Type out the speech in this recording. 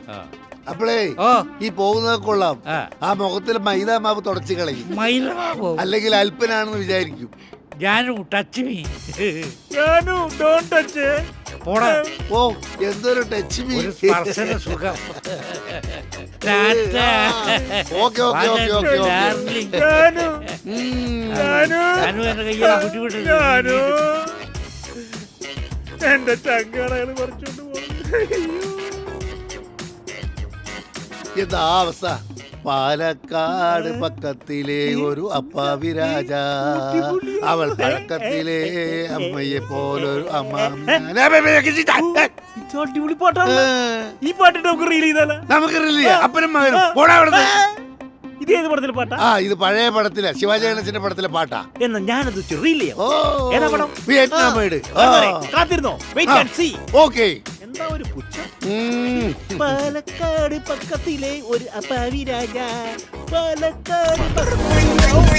അപ്പളേ ഈ പോകുന്നത് കൊള്ളാം. ആ മുഖത്തിൽ മൈദ മാവ് തുടച്ചു കളയും. അല്ലെങ്കിൽ അല്പനാണെന്ന് വിചാരിക്കും. Touch me. Don't touch. ഓ എന്തൊരു ടച്ച് മീ. സുഖം. ഓക്കെ ഓക്കെ ഓക്കെ ഓക്കെ എന്റെ ചങ്കാളകൾ പറിച്ചോണ്ട് പോകുന്നു. എന്താ അവസ്ഥ? പാലക്കാട് പക്കത്തിലെ ഒരു അപ്പാവി രാജ, അവൾ പഴക്കത്തിലെ അമ്മയെ പോലൊരു അമ്മ. അടിപൊളി പാട്ടാണ്. ഈ പാട്ടിട്ട് നമുക്ക് റീൽ ചെയ്താലോ? നമുക്ക് റീൽ ചെയ്യാം. അപ്പനും മകനും പോടാ അവിടുന്ന്. ഇത് ഏത് പടത്തിലെ പാട്ടാ? ഇത് പഴയ പടത്തിലെ ശിവാജി ഗണേശന്റെ പടത്തിലെ പാട്ടാ. എന്നാ ഞാനത് റീൽ ചെയ്യാം. ഏതാ പടം? വിയറ്റ്നാമേഡ്. കാത്തിരുന്നോ? Wait and see. ഓക്കേ. എന്താ ഒരു പുച്ഛം. പാലക്കാട് പക്കത്തിലെ ഒരു അപ്പാവി രാജ, പാലക്കാട്